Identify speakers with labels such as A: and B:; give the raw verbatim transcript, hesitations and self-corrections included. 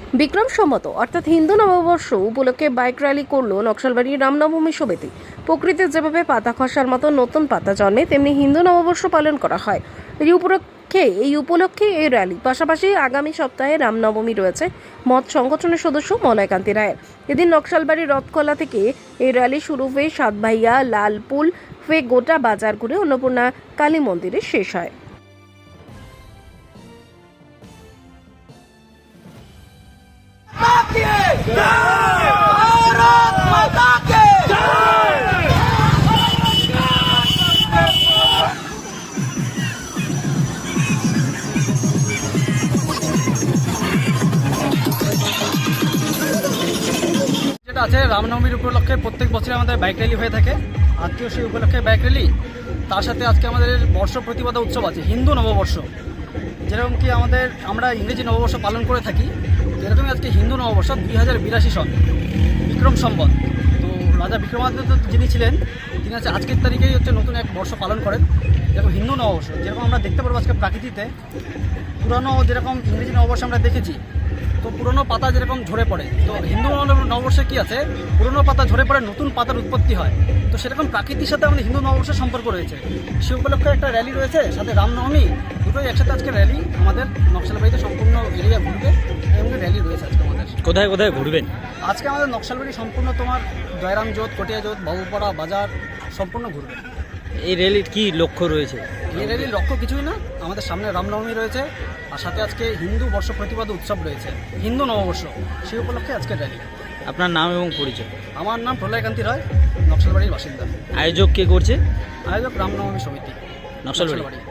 A: বিক্রম সম্মত অর্থাৎ হিন্দু নববর্ষ উপলক্ষে বাইক র্যালি করল নকশালবাড়ির রামনবমী সমিতি। প্রকৃতির যেভাবে পাতা খসার মতো নতুন পাতা জন্মে, তেমনি হিন্দু নববর্ষ পালন করা হয়। এই উপলক্ষে এই উপলক্ষে এই র্যালি পাশাপাশি আগামী সপ্তাহে রামনবমী রয়েছে মঠ সংগঠনের সদস্য মলয়কান্তি রায়ের। এদিন নকশালবাড়ির রথখোলা থেকে এই র্যালি শুরু হয়ে সাতভাইয়া লালপুল হয়ে গোটা বাজার ঘুরে অন্নপূর্ণা কালী মন্দিরে শেষ হয়।
B: भारत माता के যেটা আছে রামনবমীর উপলক্ষে প্রত্যেক বছর আমাদের বাইক র্যালি হয়ে থাকে। আজকেও সেই উপলক্ষে বাইক র্যালি, তার সাথে আজকে আমাদের বর্ষ প্রতিপদা উৎসব আছে, হিন্দু নববর্ষ। যেরকম কি আমাদের আমরা ইংরেজি নববর্ষ পালন করে থাকি, যেরকমই আজকে হিন্দু নববর্ষ দুই হাজার বিরাশি সন বিক্রম সম্বত। তো রাজা বিক্রমাদিত্য যিনি ছিলেন, তিনি হচ্ছে আজকের তারিখেই হচ্ছে নতুন এক বর্ষ পালন করেন, যেরকম হিন্দু নববর্ষ। যেরকম আমরা দেখতে পারবো আজকে প্রাকৃতিতে পুরনো যেরকম ইংরেজি নববর্ষ আমরা দেখেছি, তো পুরনো পাতা যেরকম ঝরে পড়ে, তো হিন্দু নববর্ষে কী আছে, পুরনো পাতা ঝরে পড়ে নতুন পাতার উৎপত্তি হয়। তো সেরকম প্রাকৃতির সাথে আমাদের হিন্দু নববর্ষের সম্পর্ক রয়েছে। সে উপলক্ষে একটা র্যালি রয়েছে, সাথে রামনবমী, দুটোই একসাথে আজকে র্যালি আমাদের নকশালবাড়িতে সম্পূর্ণ এরিয়া ঘুরবে এবং র্যালি রয়েছে আজকে আমাদের।
C: কোথায় কোথায় ঘুরবেন
B: আজকে আমাদের নকশালবাড়ি সম্পূর্ণ তোমার জয়রাম জোত, কটিয়া জোত, বাবুপাড়া বাজার সম্পূর্ণ ঘুরবে।
C: এই র্যালির কি লক্ষ্য রয়েছে?
B: এই র্যালির লক্ষ্য কিছুই না, আমাদের সামনে রামনবমী রয়েছে, আর সাথে আজকে হিন্দু বর্ষ প্রতিপাদ উৎসব রয়েছে, হিন্দু নববর্ষ, সেই উপলক্ষে আজকে র্যালি।
C: আপনার নাম এবং পরিচয়?
B: আমার নাম প্রলয়কান্তি রায়, নকশালবাড়ির বাসিন্দা।
C: আয়োজক কে করছে?
B: আয়োজক রামনবমী সমিতি,
C: নকশালবাড়ি।